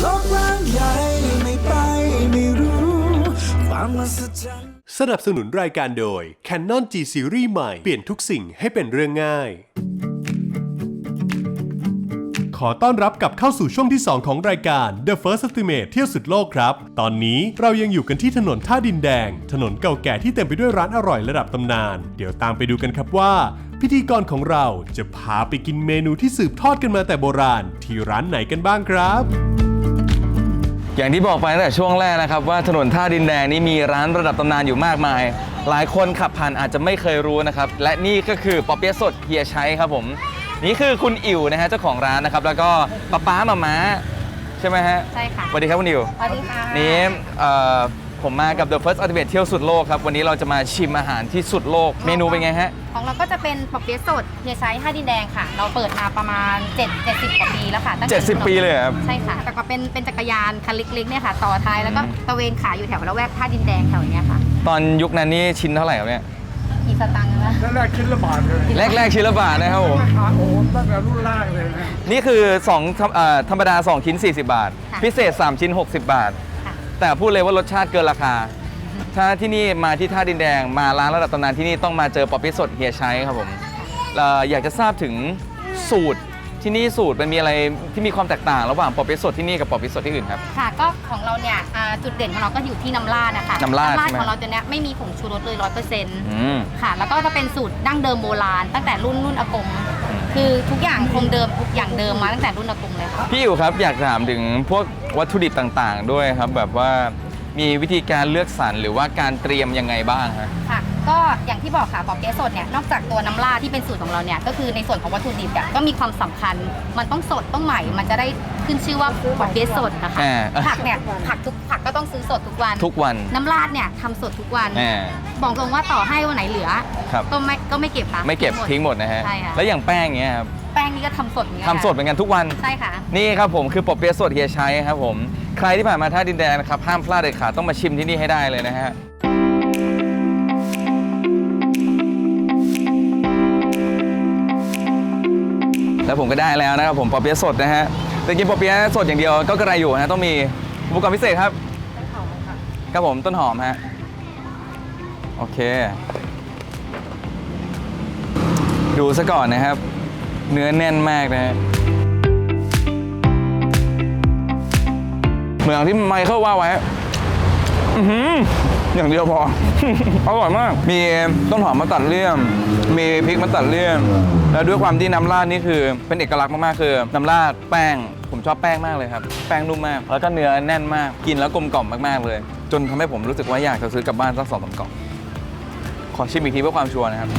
โลกกว้างใหญ่ไม่ไปไม่รู้ความมหัศจรรย์สนับสนุนรายการโดย Canon G Series ใหม่เปลี่ยนทุกสิ่งให้เป็นเรื่องง่ายขอต้อนรับกลับเข้าสู่ช่วงที่ 2 ของรายการ The First Estimate เที่ยวสุดโลกครับตอนนี้เรายังอยู่กันที่ถนนท่าดินแดงถนนเก่าแก่ที่เต็มไปด้วยร้านอร่อยระดับตำนานเดี๋ยวตามไปดูกันครับว่าพิธีกรของเราจะพาไปกินเมนูที่สืบทอดกันมาแต่โบราณที่ร้านไหนกันบ้างครับอย่างที่บอกไปตั้งแต่ช่วงแรกนะครับว่าถนนท่าดินแดงนี้มีร้านระดับตำนานอยู่มากมายหลายคนขับผ่านอาจจะไม่เคยรู้นะครับและนี่ก็คือปอเปี๊ยะสดเฮียชัยครับผมนี่คือคุณอิ๋วนะฮะเจ้าของร้านนะครับแล้วก็ป๊ามาม้าใช่ไหมฮะใช่ค่ะสวัสดีครับคุณอิ๋วสวัสดีค่ะนี่ผมมากับ The First Ultimate เที่ยวสุดโลกครับวันนี้เราจะมาชิมอาหารที่สุดโลกเมนูเป็นไงฮะของเราก็จะเป็นปอเปี๊ยะสดเฮียชัยท่าดินแดงค่ะเราเปิดมาประมาณ70 กว่าปีแล้วค่ะตั้งแต่ 70 ปีเลยครับใช่ค่ะแต่ก็เป็นจักรยานคันเล็กๆเนี่ยค่ะต่อท้ายแล้วก็ตะเวนขายอยู่แถวละแวกท่าดินแดงแถวนี้ค่ะตอนยุคนั้นนี่ชิ้นเท่าไหร่ครับเนี่ยกี่สตังค์นะแรกชิ้นละบาทเลยแรกชิ้นละบาทนะครับผมโอ้ตั้งแต่รุ่นแรกเลยนะนี่คือ2ธรรมดา2ชิ้น40 บาทพิเศษ3ชิ้น60 บาทแต่พูดเลยว่ารสชาติเกินราคาถ้าที่นี่มาที่ท่าดินแดงมาร้านระดับตำนานที่นี่ต้องมาเจอปอเปี๊ยะสดเฮียชัยครับผมอยากจะทราบถึงสูตรที่นี่สูตรมันมีอะไรที่มีความแตกต่างระหว่างปอเปี๊ยะสดที่นี่กับปอเปี๊ยะสดที่อื่นครับค่ะก็ของเราเนี่ยจุดเด่นของเราก็อยู่ที่น้ำราดนะคะน้ำราดของเราตัวเนี้ยไม่มีผงชูรสเลย100%ค่ะแล้วก็จะเป็นสูตรดั้งเดิมโบราณตั้งแต่รุ่นอากงคือทุกอย่างคงเดิมทุกอย่างเดิมมาตั้งแต่รุ่นอากงเลยค่ะพี่อิ๋วครับอยากถามถึงพวกวัตถุดิบต่างๆด้วยครับแบบว่ามีวิธีการเลือกสรรหรือว่าการเตรียมยังไงบ้างฮะค่ะก็อย่างที่บอกค่ะปอเปี๊ยะสดเนี่ยนอกจากตัวน้ำราดที่เป็นสูตรของเราเนี่ยก็คือในส่วนของวัตถุดิบก็มีความสำคัญมันต้องสดต้องใหม่มันจะได้ขึ้นชื่อว่าปอเปี๊ยะสดนะคะผักเนี่ยผักก็ต้องซื้อสดทุกวันน้ำราดเนี่ยทำสดทุกวันบอกตรงว่าต่อให้วันไหนเหลือก็ไม่เก็บค่ะไม่เก็บทิ้งหมดนะฮะแล้วอย่างแป้งเงี้ยครับแป้งนี่ก็ทำสดเหมือนกันทำสดเหมือนกันทุกวันใช่ค่ะนี่ครับผมคือปอเปี๊ยะสดเฮียชัยครับผมใครที่ผ่านมาท่าดินแดงนะครับห้ามพลาดเด็ดขาดต้องมาชิมที่นี่ให้ได้เลยนะฮะแล้วผมก็ได้แล้วนะครับผมปอเปี๊ยะสดนะฮะแต่กินปอเปี๊ยะสดอย่างเดียวก็กระไรอยู่นะต้องมีอุปกรณ์พิเศษครับครับผมต้นหอมฮะโอเคดูซะก่อนนะครับเนื้อแน่นมากนะฮะเหมือนที่ไมเคิลว่าไว้อย่างเดียวพอ อร่อยมากมีต้นหอมมาตัดเลี่ยมมีพริกมาตัดเลี่ยมแล้วด้วยความที่น้ำราดนี่คือเป็นเอกลักษณ์มากๆคือน้ำราดแป้งผมชอบแป้งมากเลยครับแป้งนุ่มมากแล้วก็เนื้อแน่นมากกินแล้วกลมกล่อมมากๆเลยจนทำให้ผมรู้สึกว่าอยากจะซื้อกลับบ้านสัก2-3 กล่องขอชิมอีกทีเพื่อความชัวร์นะครับ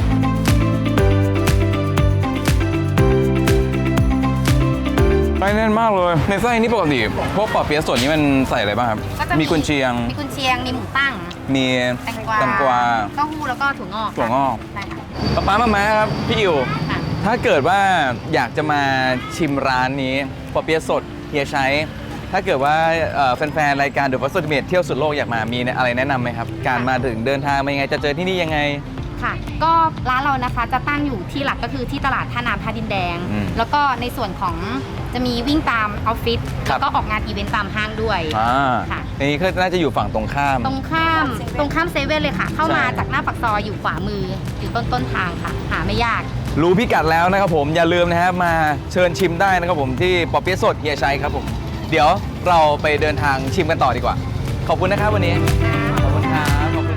ไส้แน่นมากเลยในไส้นี่ปกติพวกปอเปี๊ยะสดนี้มันใส่อะไรบ้างครับมีกุนเชียงมีหมูตั้งมีแตงกวาเต้าหู้แล้วก็ถั่วงอกใช่ค่ะป๊ามาครับพี่อิ๋วถ้าเกิดว่าอยากจะมาชิมร้านนี้ปอเปี๊ยะสดเฮียชัยถ้าเกิดว่าแฟนๆรายการ The First Ultimate เที่ยวสุดโลกอยากมามีอะไรแนะนำไหมครับการมาถึงเดินทางมายังไงจะเจอที่นี่ยังไงค่ะก็ร้านเรานะคะจะตั้งอยู่ที่หลักก็คือที่ตลาดท่าน้ำท่าดินแดงแล้วก็ในส่วนของจะมีวิ่งตามออฟฟิศแล้วก็ออกงานอีเวนต์ตามห้างด้วยค่ะนี่ก็น่าจะอยู่ฝั่งตรงข้ามเซเว่นเลยค่ะเข้ามาจากหน้าปากซอยอยู่ขวามืออยู่ต้นทางค่ะหาไม่ยากรู้พิกัดแล้วนะครับผมอย่าลืมนะฮะมาเชิญชิมได้นะครับผมที่ปอเปี๊ยะสดเฮียชัยครับผมเดี๋ยวเราไปเดินทางชิมกันต่อดีกว่าขอบคุณนะครับวันนี้ขอบคุณครับ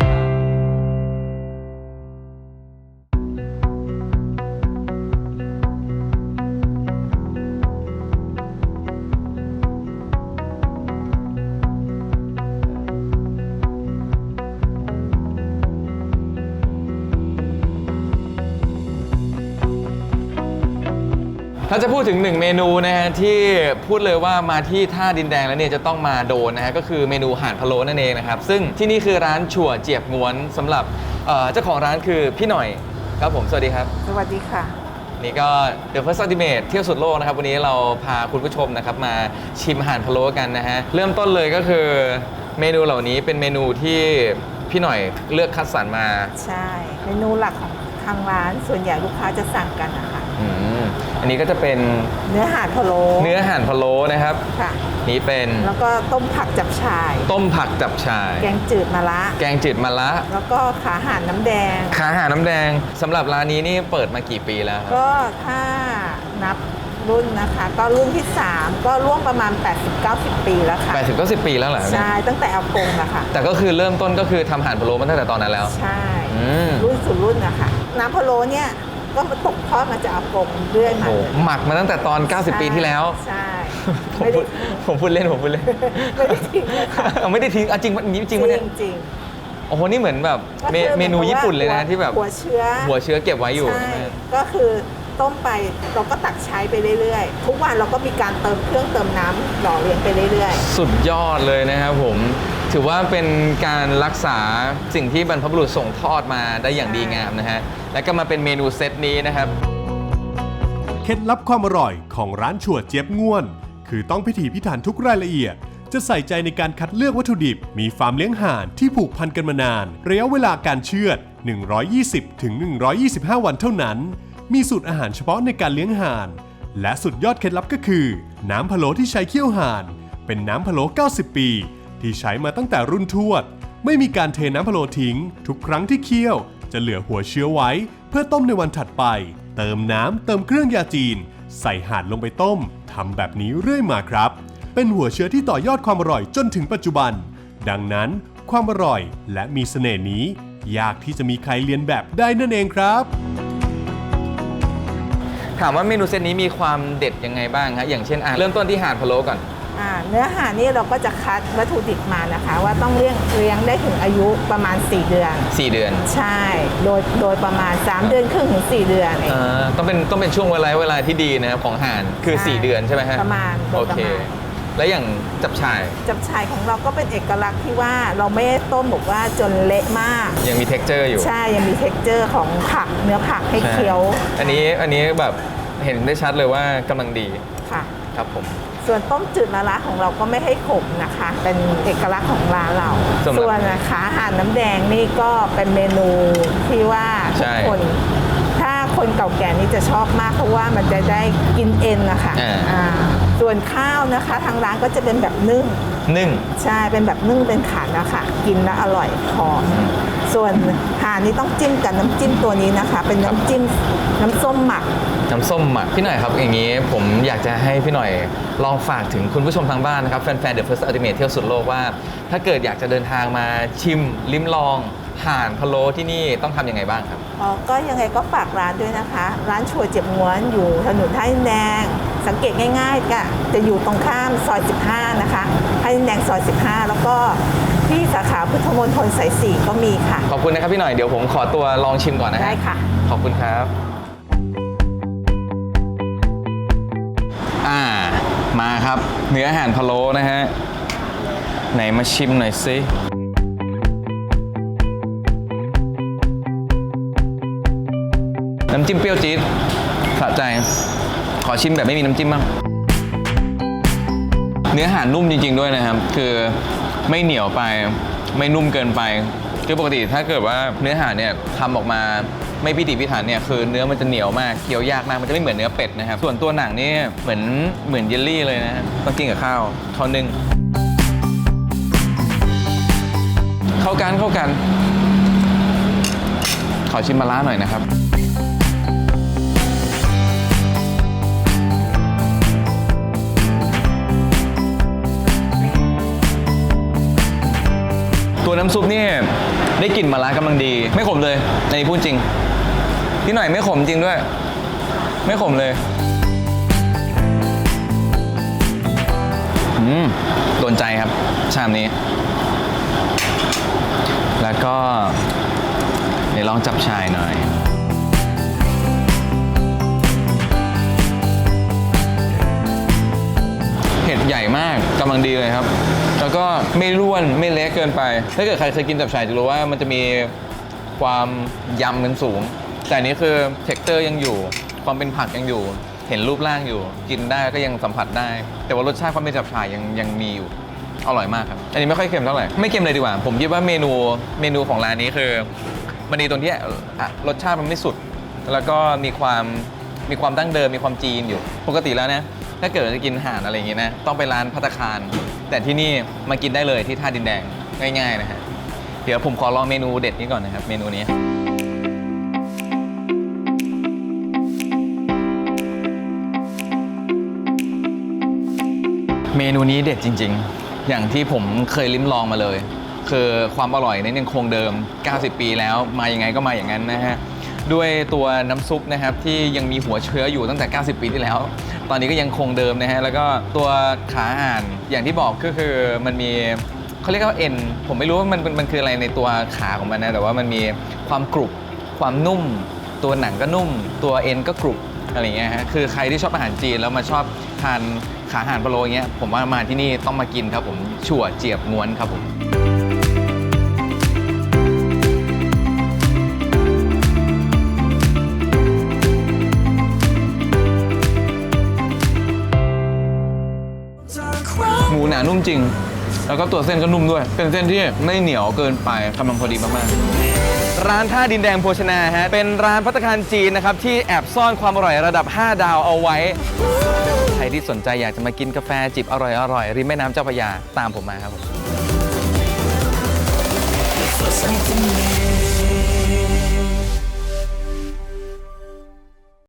ถ้าจะพูดถึง1เมนูนะฮะที่พูดเลยว่ามาที่ท่าดินแดงแล้วเนี่ยจะต้องมาโดนนะฮะก็คือเมนูห่านพะโล้นั่นเองนะครับซึ่งที่นี่คือร้านชั่วเจียบง้วนสำหรับเจ้าของร้านคือพี่หน่อยครับผมสวัสดีครับสวัสดีค่ะนี่ก็ The First Ultimate เที่ยวสุดโลกนะครับวันนี้เราพาคุณผู้ชมนะครับมาชิมห่านพะโล้กันนะฮะเริ่มต้นเลยก็คือเมนูเหล่านี้เป็นเมนูที่พี่หน่อยเลือกคัดสรรมาใช่เมนูหลักของทางร้านส่วนใหญ่ลูกค้าจะสั่งกันนะคะอันนี้ก็จะเป็นเนื้อห่านพะโล้เนื้อห่านพะโล้นะครับค่ะนี่เป็นแล้วก็ต้มผักจับฉ่ายต้มผักจับฉ่ายแกงจืดมะระแกงจืดมะระแล้วก็ขาห่านน้ำแดงขาห่านน้ำแดงสำหรับร้านนี้นี่เปิดมากี่ปีแล้วครับก็ถ้านับรุ่นนะคะ ก็รุ่นที่ 3 ก็ร่วมประมาณ 80-90 ปีแล้วค่ะ 80-90 ปีแล้วเหรอใช่ ตั้งแต่อากงนะคะแต่ก็คือเริ่มต้นก็คือทำห่านพะโล้มาตั้งแต่ตอนนั้นแล้วใช่อืมรุ่นสู่รุ่นนะคะ น้ำพะโล้เนี่ยก็มาตกทอดมาจากอากงเรื่อยมาโอ้เลยหมักมาตั้งแต่ตอน 90 ปีที่แล้วใช่ผมไม่พูได้ดผมพูดเล่นผมพูดเล่นไม่ได้ทิ้งเลยค่ะไม่ได้ทิ้งจริงนี้จริงปะเนี่ยจริงโอ้โหนี่เหมือนแบบก็คือเมนูญี่ปุ่นเลยนะที่แบบหัวเชื้อหัวเชื้อเก็บไว้อยู่ใช่ก็คือต้มไปเราก็ตักใช้ไปเรื่อยๆ ทุกวันเราก็มีการเติมเครื่องเติมน้ำหล่อเลี้ยงไปเรื่อยสุดยอดเลยนะครับผม ถือว่าเป็นการรักษาสิ่งที่บรรพบุรุษส่งทอดมาได้อย่างดีงามนะฮะ แล้วก็มาเป็นเมนูเซตนี้นะครับเคล็ดลับความอร่อยของร้านชัวเจี๊ยบง่วน คือต้องพิถีพิถันทุกรายละเอียด จะใส่ใจในการคัดเลือกวัตถุดิบ มีฟาร์มเลี้ยงห่านที่ผูกพันกันมานาน ระยะเวลาการเชือด 120-125 วันเท่านั้น มีสูตรอาหารเฉพาะในการเลี้ยงห่าน และสุดยอดเคล็ดลับก็คือ น้ำพะโล้ที่ใช้เคี่ยวห่าน เป็นน้ำพะโล้ 90 ปี ที่ใช้มาตั้งแต่รุ่นทวด ไม่มีการเทน้ำพะโล้ทิ้ง ทุกครั้งที่เคี่ยว จะเหลือหัวเชื้อไว้ เพื่อต้มในวันถัดไป เติมน้ำเติมเครื่องยาจีน ใส่ห่านลงไปต้มทำแบบนี้เรื่อยมาครับ เป็นหัวเชื้อที่ต่อยอดความอร่อยจนถึงปัจจุบัน ดังนั้นความอร่อยและมีเสน่ห์นี้ ยากที่จะมีใครเลียนแบบได้นั่นเองครับถามว่าเมนูเซตนี้มีความเด็ดยังไงบ้างฮะอย่างเช่นเริ่มต้นที่ห่านพะโล้ก่อนเนื้อห่านนี่เราก็จะคัดวัตถุดิบมานะคะ ว่าต้องเลี้ยงได้ถึงอายุประมาณ 4 เดือน 4 เดือนใช่ โดยประมาณ 3 เดือนครึ่งถึง 4 เดือนเองต้องเป็นช่วงเวลาที่ดีนะครับของห่านคือใช่ 4 เดือนใช่ไหมฮะประมาณโดโอยประเคมาณแล้วอย่างจับฉ่ายจับฉ่ายของเราก็เป็นเอกลักษณ์ที่ว่าเราไม่ได้ต้มบอกว่าจนเละมากยังมี texture อยู่ใช่ ยังมี texture ของผักเนื้อผักให้เคี้ยวอันนี้แบบเห็นได้ชัดเลยว่ากำลังดีค่ะครับผมส่วนต้มจืดมะระของเราก็ไม่ให้ขมนะคะ เป็นเอกลักษณ์ของร้านเรา ส่วนขาห่านน้ำแดงนี่ก็เป็นเมนูที่ว่าทุกคน ถ้าคนเก่าแก่นี่จะชอบมากเพราะว่ามันจะได้กินเอ็นนะคะส่วนข้าวนะคะทางร้านก็จะเป็นแบบนึ่ง ใช่ เป็นแบบนึ่งเป็นขันนะคะกินแล้วอร่อยหอมส่วนห่านนี่ต้องจิ้มกับน้ำจิ้มตัวนี้นะคะ เป็นน้ำจิ้มน้ำส้มหมักน้ำส้มหมักพี่หน่อยครับอย่างนี้ผมอยากจะให้พี่หน่อยลองฝากถึงคุณผู้ชมทางบ้านนะครับแฟนๆ The First Ultimate เที่ยวสุดโลกว่า ถ้าเกิดอยากจะเดินทางมาชิมลิ้มลองห่านพะโล้ที่นี่ต้องทำยังไงบ้างครับก็ยังไงก็ฝากร้านด้วยนะคะ ร้านชัวเจ็บม้วนอยู่ถนนท่าดินแดง สังเกตง่ายๆก็จะอยู่ตรงข้ามซอย 15 นะคะท่าดินแดงซอย 15 แล้วก็ที่สาขาพุทธมณฑลสาย 4 ก็มีค่ะขอบคุณนะครับพี่หน่อยเดี๋ยวผมขอตัวลองชิมก่อนนะฮะได้ค่ะขอบคุณครับมาครับเนื้อห่านพะโล้นะฮะไหนมาชิมหน่อยสิน้ำจิ้มเปรี้ยวจี๊ดสะใจขอชิมแบบไม่มีน้ำจิ้มบ้างเนื้อห่านนุ่มจริงๆด้วยนะครับคือไม่เหนียวไปไม่นุ่มเกินไปคือปกติถ้าเกิดว่าเนื้อห่านเนี่ยทำออกมาไม่พิถีพิถันเนี่ยคือเนื้อมันจะเหนียวมากเคี้ยวยากมากมันจะไม่เหมือนเนื้อเป็ดนะครับส่วนตัวหนังนี่เหมือนเยลลี่เลยนะต้องกินกับข้าวนึ่งเข้ากันขอชิมมะระหน่อยนะครับตัวน้ำซุปนี่ได้กลิ่นมะระกำลังดีไม่ขมเลยในนี้พูดจริงพี่หน่อยไม่ขมจริงด้วยไม่ขมเลยโดนใจครับชามนี้แล้วก็เดี๋ยวลองจับชายหน่อยเผ็ดใหญ่มากกำลังดีเลยครับแล้วก็ไม่ร่วนไม่เละเกินไปถ้าเกิดใครเคยกินจับฉ่ายจะรู้ว่ามันจะมีความยำกันสูงแต่อันนี้คือเท็กเจอร์ยังอยู่ความเป็นผักยังอยู่เห็นรูปร่างอยู่กินได้ก็ยังสัมผัสได้แต่ว่ารสชาติความเป็นจับฉ่ายยังมีอยู่อร่อยมากครับอันนี้ไม่ค่อยเค็มเท่าไหร่ไม่เค็มเลยดีกว่าผมคิดว่าเมนูของร้านนี้คือมันดีตรงที่รสชาติมันไม่สุดแล้วก็มีความมีความดั้งเดิมมีความจีนอยู่ปกติแล้วนะถ้าเกิดจะกินห่านอะไรอย่างงี้นะต้องไปร้านภัตตาคารแต่ที่นี่มากินได้เลยที่ท่าดินแดงง่ายๆนะฮะเดี๋ยวผมขอลองเมนูเด็ดนี้ก่อนนะครับเมนูนี้เมนูนี้เด็ดจริงๆอย่างที่ผมเคยลิ้มลองมาเลยคือความอร่อยนั้นยังคงเดิม90 ปีแล้วมายังไงก็มาอย่างนั้นนะฮะด้วยตัวน้ำซุปนะครับที่ยังมีหัวเชื้ออยู่ตั้งแต่90 ปีที่แล้วตอนนี้ก็ยังคงเดิมนะฮะแล้วก็ตัวขาห่านอย่างที่บอกก็คือมันมีเขาเรียกว่าเอ็นผมไม่รู้ว่ามันคืออะไรในตัวขาของมันนะแต่ว่ามันมีความกรุบความนุ่มตัวหนังก็นุ่มตัวเอ็นก็กรุบอะไรเงี้ยฮะคือใครที่ชอบอาหารจีนแล้วมาชอบทานขาห่านพะโล้อย่างเงี้ยผมว่ามาที่นี่ต้องมากินครับผมชั่วเจียบง้วนครับผมหมูหนานุ่มจริงแล้วก็ตัวเส้นก็นุ่มด้วยเป็นเส้นที่ไม่เหนียวเกินไปกำลังพอดีมากๆร้านท่าดินแดงโภชนาฮะเป็นร้านภัตตาคารจีนนะครับที่แอบซ่อนความอร่อยระดับ5 ดาวเอาไว้ใครที่สนใจอยากจะมากินกาแฟจิบอร่อยริมแม่น้ำเจ้าพระยาตามผมมาครับผม